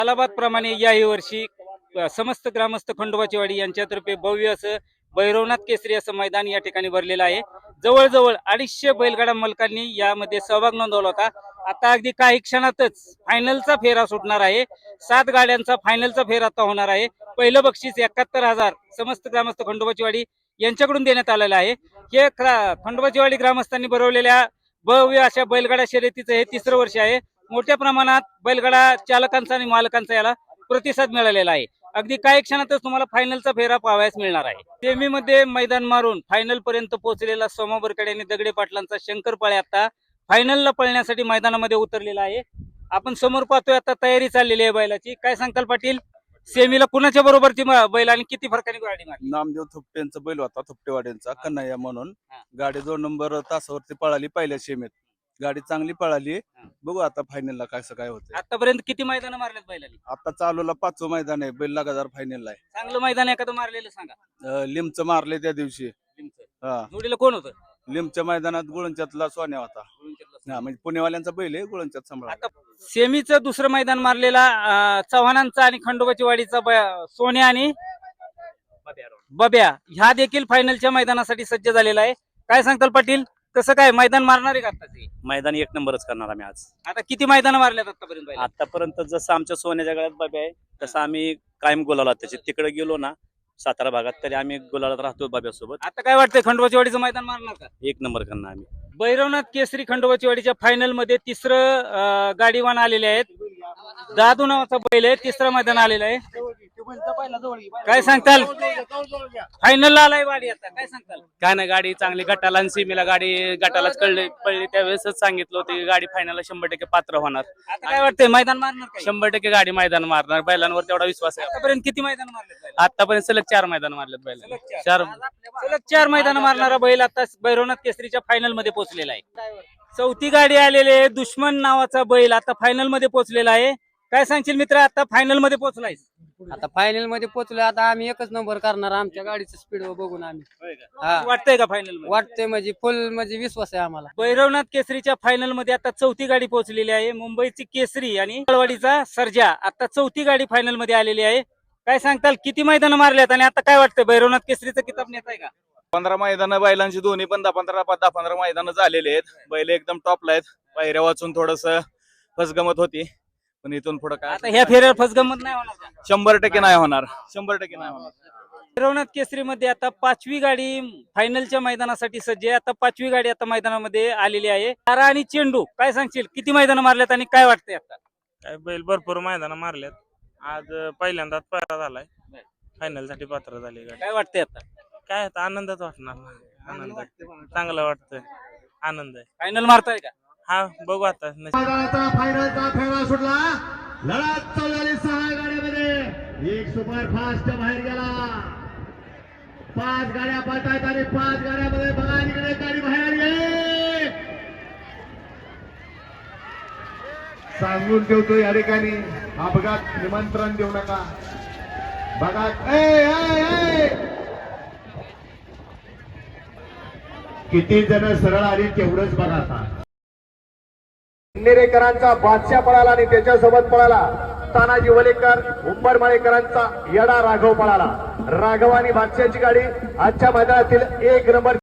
सालाबाद प्रमाणे याही वर्षी समस्त ग्रामस्थ खंडोबाची वाडी यांच्यातर्फे भव्य असं भैरवनाथ केसरी असं मैदान या ठिकाणी भरलेलं आहे। जवळजवळ 250 बैलगाडा मालकांनी यामध्ये सहभाग नोंदवला होता। आता अगदी काही क्षणातच फायनलचा फेरा सुटणार आहे। 7 गाड्यांचा फायनलचा फेरा आता होणार आहे। पहिलं बक्षीस 71,000 समस्त ग्रामस्थ खंडोबाची वाडी यांच्याकडून देण्यात आलेलं आहे। हे खंडोबाची वाडी ग्रामस्थांनी भरवलेल्या भव्य अशा बैलगाडा शर्यतीचं हे 3रं वर्ष आहे। मोठ्या प्रमाणात बैलगाडा चालकांचा आणि मालकांचा याला प्रतिसाद मिळालेला आहे। अगदी काही क्षणातच तुम्हाला फायनलचा फेरा पाहावयास मिळणार आहे। सेमीमध्ये मैदान मारून फायनल पर्यंत पोहोचलेला सोमा बरकडे आणि दगडे पाटलांचा शंकर पाळे आता फायनलला पळण्यासाठी मैदानामध्ये उतरलेला आहे। आपण समोर पाहतोय आता तयारी चाललेली आहे बैलाची। काय सांगताल पाटील, सेमीला कुणाच्या बरोबर ती बैल आणि किती फरकाने गाडी मारली? नामदेव थुपटेंचा बैल होता, थुपटेवाड्यांचा कन्हैया म्हणून। गाडी 2 नंबर तासावरती पळाली पहिल्या सेमीत। गाडी चांगली पळाली। बघू आता फायनलला कसं काय होतं। आतापर्यंत किती मैदान मारलेत बैलांनी? आता चालूला 5वं मैदान आहे। बैल लगातार फायनलला आहे। चांगलं मैदान एखादं मारलेलं सांगा। लिमचं मारले त्या दिवशी। हा, जोडीला कोण होतं? लिमच्या मैदानात गुळंच्यातला सोन्या होता। हा, म्हणजे पुणेवाल्यांचा बैल आहे, गुळंच्यात सांभाळा। आता सेमीचं दुसरं मैदान मारलेला चव्हाणांचा आणि खंडोबाची वाडीचा सोन्या आणि बब्या ह्या देखील फायनलच्या मैदानासाठी सज्ज झालेला आहे। काय सांगताल पाटील, कसं काय मैदान मारणार आहे का आता? मैदान 1 नंबरच करणार आम्ही आज। आता किती मैदान मारल्यात आतापर्यंत? आतापर्यंत जसं आमच्या सोन्याच्या गळ्यात बाब्या आहे तसं आम्ही कायम गुलाला त्याचे तिकडे गेलो ना सातारा भागात तरी आम्ही गुलालात राहतो बाब्यासोबत। आता काय वाटतंय, खंडोबाची वाडीचं मैदान मारणार का? 1 नंबर करणार आम्ही। भैरवनाथ केसरी खंडोबाची वाडीच्या फायनल मध्ये 3रं गाडीवान आलेले आहेत। दादू नावाचा बैल आहे, 3रं मैदान आलेलं आहे। काय सांगताल, फायनलला आलाय वाडी आता, काय सांगताल? काय नाही, गाडी चांगली गटाला आणि सीमेला गाडी गटालाच पडली त्यावेळेसच सांगितलं होतं गाडी फायनलला 100% पात्र होणार। आता काय वाटतंय, मैदान मारणार का? 100% गाडी मैदान मारणार, बैलांवर तेवढा विश्वास आहे। आतापर्यंत किती मैदान मारले? आतापर्यंत सलग 4 मैदान मारलेत बैलांनी। सलग 4 मैदान मारणारा बैल आता भैरवनाथ केसरीच्या फायनल मध्ये पोहोचलेला आहे। 4थी गाडी आलेली आहे, दुश्मन नावाचा बैल आता फायनल मध्ये पोहोचलेला आहे। काय सांगशील मित्र, आता फायनल मध्ये पोहोचलाय? आता फायनल मध्ये पोहोचलो, आता आम्ही 1च नंबर करणार। आमच्या गाडीचं स्पीड बघून आम्ही वाटतंय का फायनल? वाटतंय, म्हणजे फुल म्हणजे विश्वास आहे आम्हाला। भैरवनाथ केसरीच्या फायनल मध्ये आता 4थी गाडी पोहोचलेली आहे। मुंबईची केसरी आणि वाडीचा सर्जा आता 4थी गाडी फायनल मध्ये आलेली आहे। काय सांगताल, किती मैदान मारल्यात आणि आता काय वाटतंय, भैरवनाथ केसरीचा किताब नेत आहे का? 15 मैदान बैलांची, दोन्ही पण 10-15 मैदान झालेले आहेत। बैल एकदम टॉपला आहेत। पायऱ्या वाचून थोडस फसगमत होती, पण इथून पुढे काय आता ह्या फेऱ्यावर फसगमत नाही होणार का? 100% नाही होणार, 100% नाही होणार। भैरवनाथ केसरी मध्ये आता 5वी गाडी फायनलच्या मैदानासाठी सज्ज आहे। आता 5वी गाडी आता मैदानामध्ये आलेली आहे। तारा आणि चेंडू, काय सांगशील, किती मैदान मारल्यात आणि काय वाटतंय आता? काय बैल भरपूर मैदान मारल्यात। आज पहिल्यांदाच पायरा झालाय, फायनल साठी पात्र झाली गाडी। काय वाटतंय आता? काय आता आनंदात वाटणार, आनंद चांगला वाटतोय, आनंद आहे। फायनल मारताय का? हा, बघू आता। फायनलचा फेरा सुटला, लढत चालू झाली 6 गाड्यामध्ये। एक सुपर फास्ट बाहेर गेला, 5 गाड्या पळतायत आणि 5 गाड्यामध्ये बघा इकडे गाडी बाहेर आली। सांगून ठेवतो या ठिकाणी अपघात निमंत्रण देऊ नका। बघा किती जण सरळ आली तेवढंच बघा। आता नेरेकरांचा बादशाह पळाला आणि त्याच्यासोबत पळाला तानाजी वलेकर, उंबरमाळेकरांचा येडा राघव पळाला। राघव आणि बादशाहची गाडी आजच्या मैदानातील 1 नंबर